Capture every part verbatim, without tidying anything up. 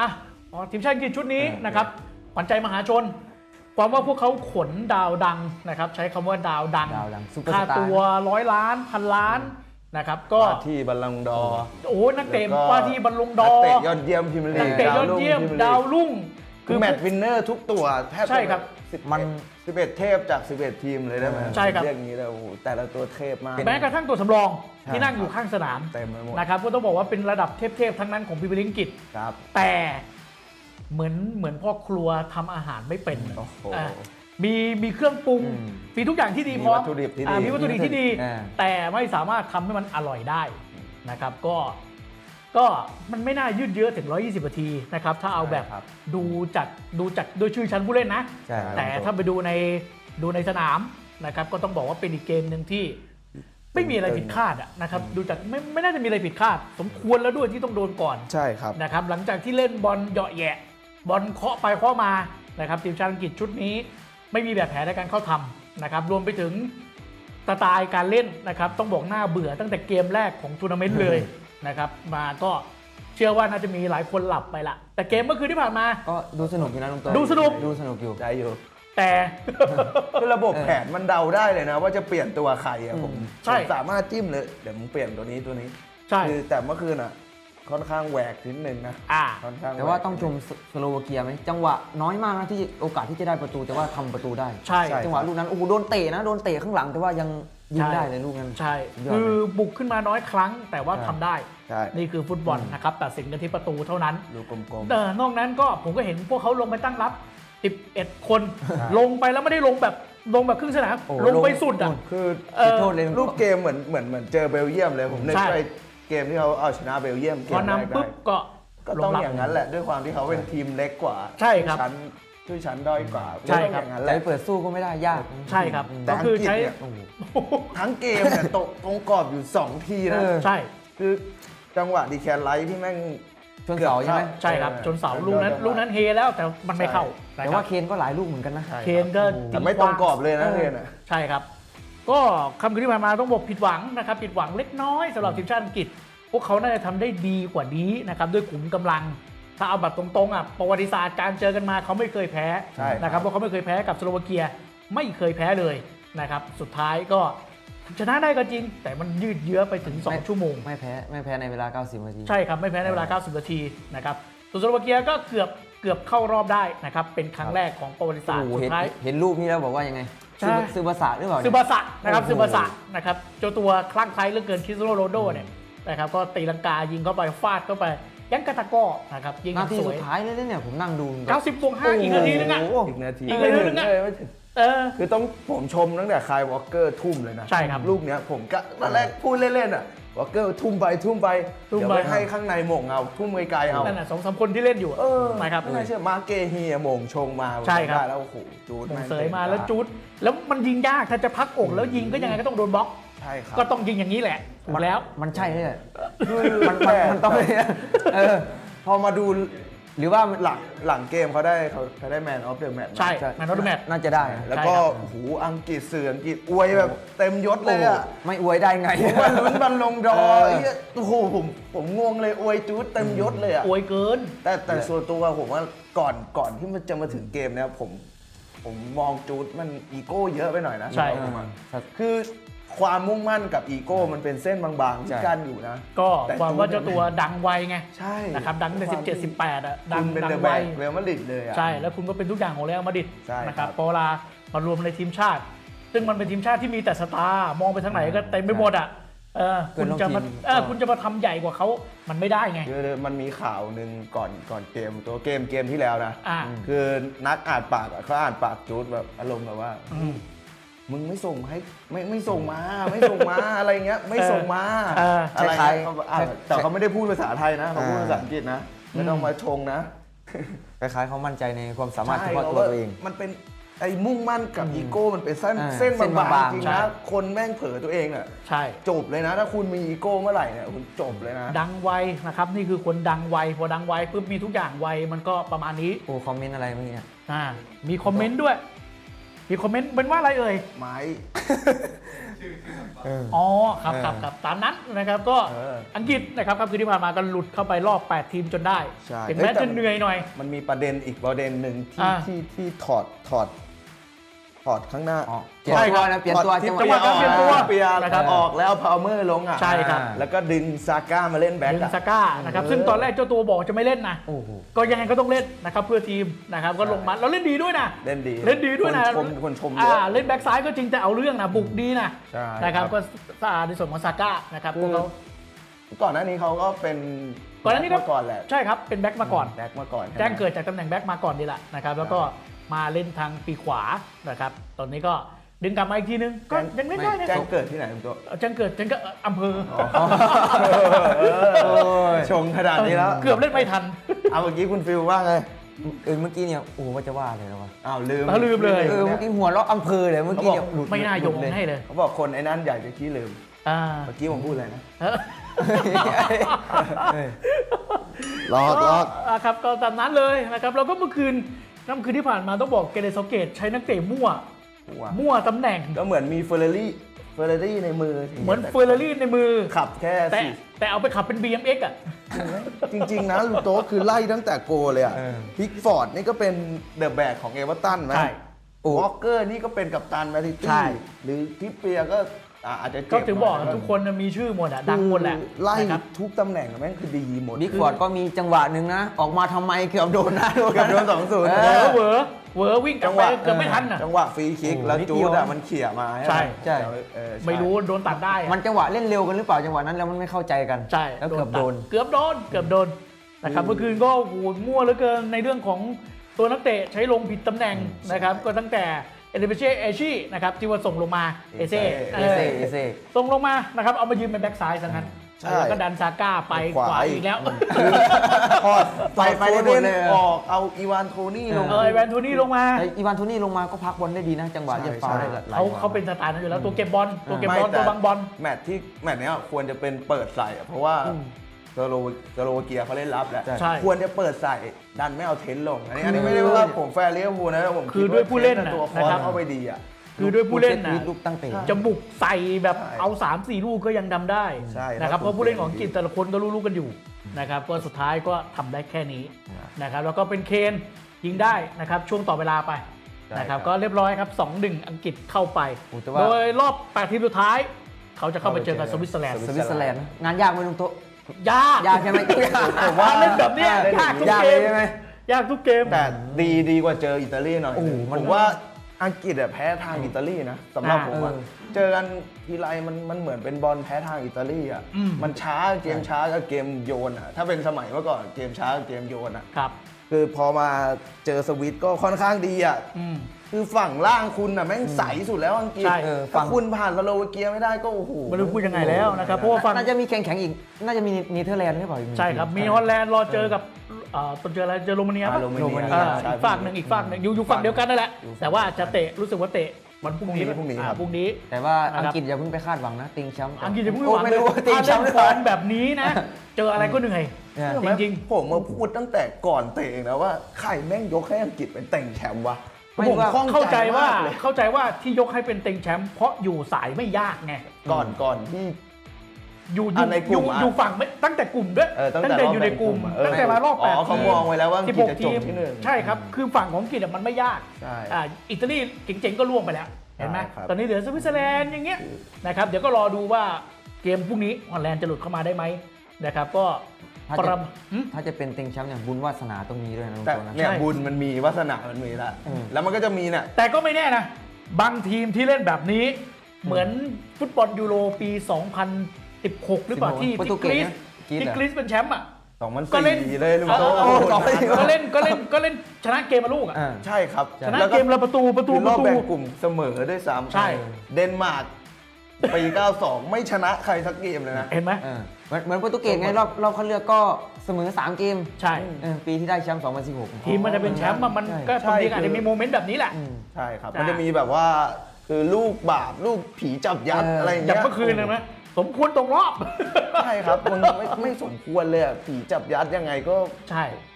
อ่ะทีมชาติอังกฤษชุดนี้นะครับขวัญใจมหาชนความว่าพวกเขาขนดาวดังนะครับใช้คำว่าดาวดังค่าตัวร้อยล้านพันล้านนะครับก็ที่บัลลังก์ดอร์โอ้นักเตะว่าที่บอลลูนดอร์นักเตะยอดเยี่ยมพรีเมียร์ลีกนักเตะยอดเยี่ยมดาวรุ่งคือแมตช์วินเนอร์ทุกตัวแทบใช่ครับมันสิบเอ็ดเทพจากสิบเอ็ดทีมเลยได้ไหมใช่ครับเรียกอย่างนี้เลยโอ้โหแต่ละตัวเทพมากแม้กระทั่งตัวสำรองที่นั่งอยู่ข้างสนามเต็มไปหมดนะครับก็ต้องบอกว่าเป็นระดับเทพๆทั้งนั้นของพรีเมียร์ลีกอังกฤษแต่เหมือนเหมือนพ่อครัวทำอาหารไม่เป็นมีมีเครื่องปรุงมีทุกอย่างที่ดีพร้อมมีวัตถุดิบที่ดีแต่ไม่สามารถทำให้มันอร่อยได้นะครับก็ก็มันไม่น่ายืดเยื้อถึงหนึ่งร้อยยี่สิบนาทีนะครับถ้าเอาแบบดูจากดูจากโดยชื่อชั้นผู้เล่นนะแต่ถ้าไปดูในดูในสนามนะครับก็ต้องบอกว่าเป็นอีกเกมหนึ่งที่ไม่มีอะไรผิดคาดนะครับดูจากไม่ไม่น่าจะมีอะไรผิดคาดสมควรแล้วด้วยที่ต้องโดนก่อนใช่ครับนะครับหลังจากที่เล่นบอลเหยาะแยะบอลเคาะไปเคาะมานะครับทีมชาติอังกฤษชุดนี้ไม่มีแบบแผนในการเข้าทำนะครับรวมไปถึงสไตล์การเล่นนะครับต้องบอกหน้าเบื่อตั้งแต่เกมแรกของทัวร์นาเมนต์เลยนะครับมาก็เชื่อว่าน่าจะมีหลายคนหลับไปละแต่เกมเมื่อคืนที่ผ่านมาก็ดูสนุกอยู่นะลุงเต้ดูสนุกดูสนุกอยู่ใจอยู่แต่คือระบบแผนมันเดาได้เลยนะว่าจะเปลี่ยนตัวใครอะผมสามารถจิ้มเลยเดี๋ยวมึงเปลี่ยนตัวนี้ตัวนี้ใช่คือแต่เมื่อคืนอะค่อนข้างแหวกนิดนึงนะค่อนข้างแต่ว่าต้องชมสโลวาเกียไหมจังหวะน้อยมากนะที่โอกาสที่จะได้ประตูแต่ว่าทำประตูได้ใช่จังหวะลูกนั้นโอ้โหโดนเตะนะโดนเตะข้างหลังแต่ว่ายังยิงได้เลยลูกนั้นใช่คือบุกขึ้นมาน้อยครั้งแต่ว่าทำได้นี่คือฟุตบอลนะครับตัดสินกันที่ประตูเท่านั้นลูกกลมๆนอกนั้นก็ผมก็เห็นพวกเขาลงไปตั้งรับสิบเอ็ดคนลงไปแล้วไม่ได้ลงแบบลงแบบครึ่งสนามลงไปสุดอ่ะคือโทษเลยรูปเกมเหมือนเหมือนเหมือนเจอเบลเยียมเลยผมนึกไปเกมที่เขาเอาชนะเบลเยียมเกมแรกได้ปุ๊บก็ก็ต้องอย่างนั้นแหละด้วยความที่เขาเป็นทีมเล็กกว่าใช่ครับชั้นด้วยชั้นด้อยกว่าใช่ครับอย่างนั้นแหละละเปิดสู้ก็ไม่ได้ยากใช่ครับก็คือใช้ทั้งเกมเนี่ยตกตรงกรอบอยู่สองทีนะใช่คือจังหวะดีแคนไลท์ที่แม่งชนเสาใช่ไหมใช่ครับชนเสาลูกนั้นลูกนั้นเฮแล้วแต่มันไม่เข้าแต่ว่าเคนก็หลายลูกเหมือนกันนะเคนก็แต่ไม่ตรงกรอบเลยนะเคนอ่ะใช่ครับก็คำคืนที่ผ่านมาต้องบอกผิดหวังนะครับผิดหวังเล็กน้อยสำหรับทีมชาติอังกฤษพวกเขาน่าจะทำได้ดีกว่านี้นะครับด้วยขุมกำลังถ้าเอาแบบตรงๆอ่ะประวัติศาสตร์การเจอกันมาเขาไม่เคยแพ้นะครับเพราะเขาไม่เคยแพ้กับสโลวาเกียไม่เคยแพ้เลยนะครับสุดท้ายก็ชนะได้ก็จริงแต่มันยืดเยื้อไปถึงสองชั่วโมงไม่แพ้ไม่แพ้ในเวลาเก้าสิบนาทีใช่ครับไม่แพ้ในเวลาเก้าสิบนาทีนะครับส่วนสโลวาเกียก็เกือบเกือบเข้ารอบได้นะครับเป็นครั้งแรกของประวัติศาสตร์สุดท้ายเห็นรูปนี้แล้วบอกว่ายังไงซือบาสะหรือเปล่าซือบาสะนะครับซือบาสะนะครับเจ้าตัวคลั่งไคล้เหลือเกินคริสเตียโนโรนัลโดเนี่ยนะครับก็ตีลังกายิงเข้าไปฟาดเข้าไปยังกระตะก้อนะครับยิงนาทีสุดท้ายเลยเนี่ยผมนั่งดูเก้าสิบบวกห้าอีกนาทีนึงอ่ะอีกนาทีอีกนาทีนึงอ่ะเออคือต้องผมชมตั้งแต่คายวอลเกอร์ทุ่มเลยนะใช่ครับลูกเนี้ยผมก็ตอนแรกพูดเล่นๆอ่ะวอลเกอร์ทุ่มไปทุ่มไปเดี๋ยวไปให้ข้างในหม่งเอาทุ่มไกลๆเอานั่นน่ะสองสามคนที่เล่นอยู่เออนะครับไม่เชื่อมาเกฮีหม่งชงมาใช่ครับแล้วโอ้โหจูดเสยมาแล้วจูดแล้วมันยิงยากถ้าจะพักอกแล้วยิงก็ยังไงก็ต้องโดนบล็อกใช่ครับก็ต้องยิงอย่างนี้แหละถูกแล้วมันใช่เลยมันมันต้องเออพอมาดูหรือว่าหลังหลังเกมเขาได้เขาเขาได้แมนออฟเดอะแมตช์ใช่แมนออฟเดอะแมตช์น่าจะได้แล้วก็โอ้โหอังกฤษสื่ออังกฤษอวยแบบเต็มยศเลยอ่ะไม่อวยได้ไงมันลุ้นบัลลงดอร์โอ้โหผมผมงงเลยอวยจู๊ดเต็มยศเลยอ่ะอวยเกินแต่แต่ส่วนตัวผมว่าก่อนก่อนที่มันจะมาถึงเกมเนี่ยผมผมมองจู๊ดมันอีโก้เยอะไปหน่อยนะใช่คือความมุ่งมั่นกับอีโก้มันเป็นเส้นบางๆที่กั้นอยู่นะก็ความว่าเจ้าตัวดังไวไงใช่นะครับดังในสิบเจ็ด สิบแปดอ่ะดังดังไวเรอัลมาดริดเลยอ่ะใช่แล้วคุณก็เป็นทุกอย่างของเรอัลมาดริดนะครับพอเวลามารวมในทีมชาติ ซึ่งมันเป็นทีมชาติที่มีแต่สตาร์มองไปทางไหนก็เต็มไปหมดอ่ะเออคุณจะมาเออคุณจะมาทำใหญ่กว่าเขามันไม่ได้ไงคือมันมีข่าวหนึ่งก่อนก่อนเกมตัวเกมเกมที่แล้วนะคือนักอ่านปากเขาอ่านปากจูดแบบอารมณ์แบบว่ามึงไม่ส่งให้ไม่ไม่ส่งมาไม่ส่งมาอะไรเงี้ยไม่ส่งมาอะไรแต่เขาไม่ได้พูดภาษาไทยนะเขาพูดภาษาอังกฤษนะไม่ต้องมาชงนะคล้ายๆเขามั่นใจในความสามารถเฉพาะตัวตัวเองมันเป็นไอ้มุ่งมั่นกับอีโก้มันเป็นเส้นเส้นบางๆจริงนะคนแม่งเผลอตัวเองอ่ะใช่จบเลยนะถ้าคุณมีอีโก้เมื่อไหร่เนี่ยคุณจบเลยนะดังไวนะครับนี่คือคนดังไวพอดังไวปุ๊บมีทุกอย่างไวมันก็ประมาณนี้โอ้คอมเมนต์อะไรเมื่อกี้อ่ามีคอมเมนต์ด้วยมีมีคอมเมนต์เป็นว่าอะไรเอ่ยไม้อ๋อครับครับครับตามนั้นนะครับก็เอออังกฤษนะครับครับคือที่ผ่านมาก็หลุดเข้าไปรอบแปดทีมจนได้ใช่ถึงแม้เอ้ยแต่จะเหนื่อยหน่อยมันมีประเด็นอีกประเด็นหนึ่งที่อ่าที่ที่ถอดถอดถอดข้างหน้าอ๋อเปลี่ยนตัวนะเปลี่ยนตัวที่จังหวะจังหวะการเปลี่ยนตัวเปลี่ยนนะครับออกแล้วพาวเมอร์ลงอ่ะใช่ครับแล้วก็ดึงซาก้ามาเล่นแบ็คดึงอะซาก้านะครับเออซึ่งตอนแรกเจ้าตัวบอกจะไม่เล่นนะโอ้โหก็ยังไงก็ต้องเล่นนะครับเพื่อทีมนะครับก็ลงมาแล้วเล่นดีด้วยนะเล่นดีเล่นดีด้วยนะคนชมคนชมเยอ่าอะเล่นแบ็กซ้ายก็จริงแต่เอาเรื่องนะบุกดีนะใช่นะครับครับก็สะอาดในส่วนของซาก้านะครับพวกเขาก่อนหน้านี้เขาก็เป็นก่อนหน้านี้ก็แบ็คมาก่อนแหละใช่ครับเป็นแบ็กมาก่อนแบ็คมาก่อนแจ้งเกิดจากตำแหน่งแบ็กมาก่อนนี่แหละนะครับแล้วก็มาเล่นทางปีขวานะครับตอนนี้ก็ดึงกลับมาอีกทีนึงก็ยังเล่นได้นะแจ้งเกิดที่ไหนคุณตัวแจ้งเกิดแจ้งเกิดอำเภอชงขนาดนี้แล้วเกือบเล่นไม่ทันเอาเมื่อกี้คุณฟิลว่าไงเออเมื่อกี้เนี่ยโอ้โหว่าจะว่าเลยนะวะอ้าวลืมเอาลืมเลยเออเมื่อกี้หัวเราะอำเภอเลยเมื่อกี้เนี่ยหลุดไม่น่าโยงหลุดให้เลยเขาบอกคนไอ้นั่นใหญ่จะขี้ลืมอ่าเมื่อกี้ผมพูดอะไรนะเออเออลอกลอกอ่าครับก็ตามนั้นเลยนะครับแล้วก็เมื่อคืนน้ำคืนที่ผ่านมาต้องบอกเกเรซาเกตใช้นักเตะมั่ว มั่วตำแหน่งก็เหมือนมีเฟอร์รารี่เฟอร์รารี่ในมือเหมือนเฟอร์รารี่ในมือขับแค่แต่สี่แต่เอาไปขับเป็น บี เอ็ม เอ็กซ์ อ่ะจริง ๆ นะลูโต้คือไล่ตั้งแต่โกเลยอ่ะเออพิกฟอร์ดนี่ก็เป็นเดอะแบกของเอเวอร์ตันไหมใช่วอลเกอร์นี่ก็เป็นกัปตันแมนซิใช่ตี้หรือทิปเปียร์ก็อ่ะอาจจะเจ็บก็ถึงบอกหยทุกคนมีชื่อหมดอ่ะดังหมดแหละคือไล่นะครับทุกตำแหน่งแม่งคือดีหมดบิ๊กฟอร์ดก็มีจังหวะหนึ่งนะ ออกมาทำไมเกือบโดนนะเกือบโดนสองศูนย์เอเหวอเหวอเหวอวิ่งกลัจับงหไปวะเกือบไม่ทันอ่ะจังหวะฟรีคิกโอ้โหแล้วนิดจูเดียวดอะมันเขี่ยมาใช่ไหมใช่เออใช่ไม่รู้โดนตัดได้อะมันจังหวะเล่นเร็วกันหรือเปล่าจังหวะนั้นแล้วมันไม่เข้าใจกันใช่แล้วเกือบโดนเกือบโดนเกือบโดนนะครับเมื่อคืนก็โอ้โหมั่วเหลือเกินในเรื่องของตัวนักเตะใช้ลงผิดตำแหน่งนะครับก็ตั้งแต่เอเดเบเช่เอชี่นะครับที่ว่าส่งลงมาเอเซ่เอเซ่เอเซ่ส่งลงมานะครับเอามายืนเป็นแบ็กซ้ายซะงั้นใช่แล้วก็ดันซาก้าไปขขวาวาอีอีกกแล้วพอดไปไปได้หมดเลยออกเอาอีวานโทนี่ลงเออแวนโทนี่ลงมาแต่อีวานโทนี่ลงมาก็พักบอลได้ดีนะ จังหวะใช่เรียบฟาวล์ได้ใช่หลายเขาจังหวะเขาเป็นสไตล์นั้นอยู่แล้วตัวเก็บบอลตัวเก็บบอลไม่แต่ตัวบังบอลแมตช์ที่แมตช์เนี้ยควรจะเป็นเปิดใส่อะเพราะว่าสโลสโลวาเกียเขาเล่นรับแล้วใช่ควรจะเปิดใส่ดันไม่เอาเทนต์ลง อันนี้อันนี้ไม่ได้ว่าผมแฟร์เลี้ยวพูลนะผมคือด้วยผู้เล่นคิดว่าเทนต์ตัวคอนะครับเข้าไปดีอ่ะคือด้วยผู้เล่นลูนะกลูกตั้งเตะจะบุกใส่แบบใช่เอาสามสี่ลูกก็ยังทำได้ใช่นะครับครับเพราะผู้เล่นของอังกฤษแต่ละคนก็รู้ๆกันอยู่นะครับก็สุดท้ายก็ทำได้แค่นี้นะครับแล้วก็เป็นเคนยิงได้นะครับช่วงต่อเวลาไปนะครับก็เรียบร้อยครับ สองหนึ่ง อังกฤษเข้าไปโอ้แต่ว่าโดยรอบแปดทีมสุดท้าย เขาจะเข้าไปเจอกับสวิตเซอร์แลนด์สวิตเซอร์แลนด์นะงานยากไหมลุงโตะยากยากใช่ไหมยากผมว่าเล่นแบบเนี้ยยากทุกยากเกเลยมใช่ไหมยากทุกเกมแต่ดีดีกว่าเจออิตาลีหน่อยโอ้โหมันผมว่าอังกฤษอะแพ้ทางอิตาลีนะสำหรับอ่าผมอะเออเจอกันทีไรมันมันเหมือนเป็นบอลแพ้ทางอิตาลีอ่ะอืมมันช้าเกมช้ากับเกมโยนอ่ะถ้าเป็นสมัยเมื่อก่อนเกมช้ากับเกมโยนอ่ะครับคือพอมาเจอสวิตก็ค่อนข้างดีอ่ะอืมคือฝั่งล่างคุณอ่ะแม่งใสสุดแล้วอังกฤษใช่เออฝั่ถ้าง คุณผ่านสโลวาเกียไม่ได้ก็โอ้โหไม่รู้พูดยังไงแล้วนะครับเพราะว่าฝั่งน่าจะมีแข่งแข่งอีก น่าจะมีเนเธอร์แลนด์หรือเปล่าอีกหนึ่งใช่ครับทีมีฮอลแลนด์รอเจอกับเอ่อตอนเจออะไรเจอโรมาเนียอ่าปะโรมาเนียอ่าใช่อีกฝั่งหนึ่งอีกฝั่งหนึ่งอยู่อยู่ฝั่งเดียวกันนั่นแหละ แต่ว่าจะเตะรู้สึกว่าเตะวันพรุ่งนี้พรุ่งนี้อ่าครับพรุ่งนี้แต่ว่านะครับอังกฤษอย่าเพิ่งไปคาดหวังนะติงแชมป์อังกฤษจะพูดโอ้หวังไม่เลยรู้ว่าติงถ้าแชเล่มนป์หรือฟเปอล่าร์มแบบนี้นะ เจออะไรก็เหนื่อยเนี่ยจริงผมมาพูดตั้งแต่ก่อนเตะเองนะว่าใครแม่งยกให้อังกฤษเป็นเต่งแชมป์วะไม่ผมว่าข้องเข้าใจว่ามกเลยเข้าใจว่าที่ยกให้เป็นเต็งแชมป์เพราะอยู่สายไม่ยากไงก่อนก่อนที่อยู่ออ่ะยู่ในกลุ่อยู่มอ่ะอยู่ฝั่งไม่ตั้งแต่กลุ่มด้วยเออตั้งตั้งแต่แต่อยู่ในกลุ่มรอบแบ่งกลุ่มอ่ะตั้งแต่มารอบแปดอ๋อเขามองไว้แล้วว่าอังกฤษจะจบทีมที่หนึ่งใช่ครับ คือฝั่งของอังกฤษอะมันไม่ยากใช่อ่าอิตาลีเจ๋งๆก็ล่วงไปแล้ว เห็นไหมใช่ครับตอนนี้เหลือสวิตเซอร์แลนด์อย่างเงี้ยนะครับ เดี๋ยวก็รอดูว่าเกมพรุ่งนี้ฮอลแลนด์จะหลุดเข้ามาได้ไหมนะครับ ก็ถ้าปจะรมหึถ้าจะเป็นติงแชมป์อย่างบุญวาสนาตรงนี้ด้วยนะลุงแต่โตนะเนี่ยใช่บุญมันมีวาสนามันมีแล้วอืมแล้วมันก็จะมีเนี่ยแต่ก็ไม่แน่นะ บางทีมที่เล่นแบบนี้ เหมือนฟุตบอลยูโรปี สองพันสิบหก หรือเปล่าที่โปรตุที่เกกรีสซนะกรีซที่เหรอกรีซเป็นแชมป์อ่ะสองพันก็เล่นสี่เลยลุงโตเออโอ้โหก็เล่นก็เล่นก็เล่นชนะเกมมาลูกอ่ะอ่าใช่ครับชนะแล้วเกมละประตูประตูคือปรอระบตูแบ่งกลุ่มเสมอด้วยซ้ำใช่เดนมาร์กปี เก้าสอง ไม่ชนะใครสักเกมเลยนะเห็นไหมเออเหมือนเหมือนโปรตุเกสไงรอบรอบคัดเลือกก็เสมอสามเกมใช่เออปีที่ได้แชมป์สองพันสิบหกทีมมันจะเป็นแชมป์อะมันใช่ก็ใช่บางทีอาจคืจะอมีโมเมนต์แบบนี้แหละอืมใช่ครับจ้ะมันจะมีแบบว่าคือลูกบาปลูกผีจับยัดเออออะไรอย่างอย่างเงี้ยเมื่อคืนนะนะสมควรตกรอบใช่ครับมันไม่ไม่สมควรเลยอะผีจับยัดยังไงก็ใช่ค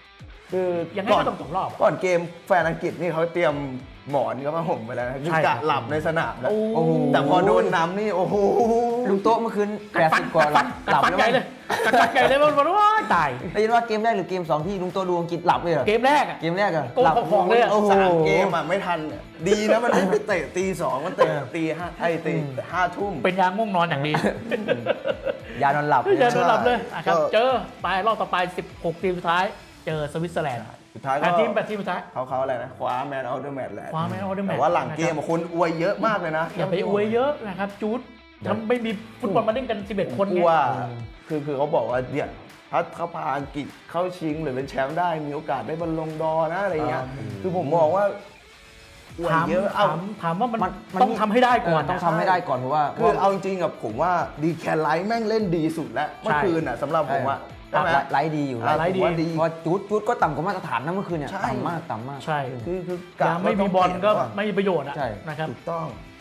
คือยังไงก่อนก็ต้องตกรอบก่อนเกมแฟนอังกฤษนี่เขาเตรียมหมอนก็มาห่มไปแล้วนะคือกะหลับในสนามแล้วโอ้โหแต่พอโดนน้ำนี่โอ้โหลุงโต๊ะเมื่อคืนกัดแปดฟันสิบกว่ากัดฟันหลับกัดฟันแล้วใหญ่เลยกัดฟันใหญ่เลยมันมันว่าตายได้ยินว่าเกมแรกหรือเกมสองที่ลุงโต๊ะดูอังกฤษหลับเลยเหรอเกมแรกอะเกมแรกอะโกงหลับของเลยอะโอ้โหสามเกมอ่ะไม่ทันเนี่ยดีนะมันไม่ไปเตะตีสองมันเตะตีห้าไอ้ตีห้าทุ่มเป็นยาง่วงนอนอย่างดียานอนหลับอย่านอนหลับเลยอ่ะครับก็เจอไปรอบต่อไปสิบหกทีมสุดท้ายเจอสวิตเซอร์แลนด์สุดท้ายแปก็ดทีมแปดทีมสุดท้ายเขาเขาอะไรนะคว้าแมนออฟเดอะแมตช์แหละคว้า Man of the Match แต่ว่าหลังเกมอะคนอวยเยอะมากเลยนะอย่าไปอวยเยอะนะครับจูดทำไม่มีฟุตบอลมาเล่นกันสิบเอ็ดคนกูไงว่าคือคือเขาบอกว่าเนี่ยถ้าเขาพาอังกฤษเข้าชิงหรือเป็นแชมป์ได้มีโอกาสได้บอลลงดอร์นะอะไรเงี้ยคือผมมองว่าอวยถามเยอะเอาถามถามว่ามันมันมันต้องทำให้ได้ก่อนเต้องนะทำให้ได้ก่อนเพราะว่าคือเอาจริงๆกับผมว่าดีแคไลท์แม่งเล่นดีสุดแล้วเมื่อคืนอ่ะสำหรับผมว่าใช่ไหมไลฟ์ดีอยู่อ่ะไลฟ์ดีผมว่าดีเพราะจูดจูดก็ต่ำกว่ามาตรฐานนะเมื่อคืนเนี่ยใช่ต่ำมากต่ำมากใช่คือคือการไม่มีบอลก็ไม่มีประโยชน์อะใช่นะครับถูกต้อง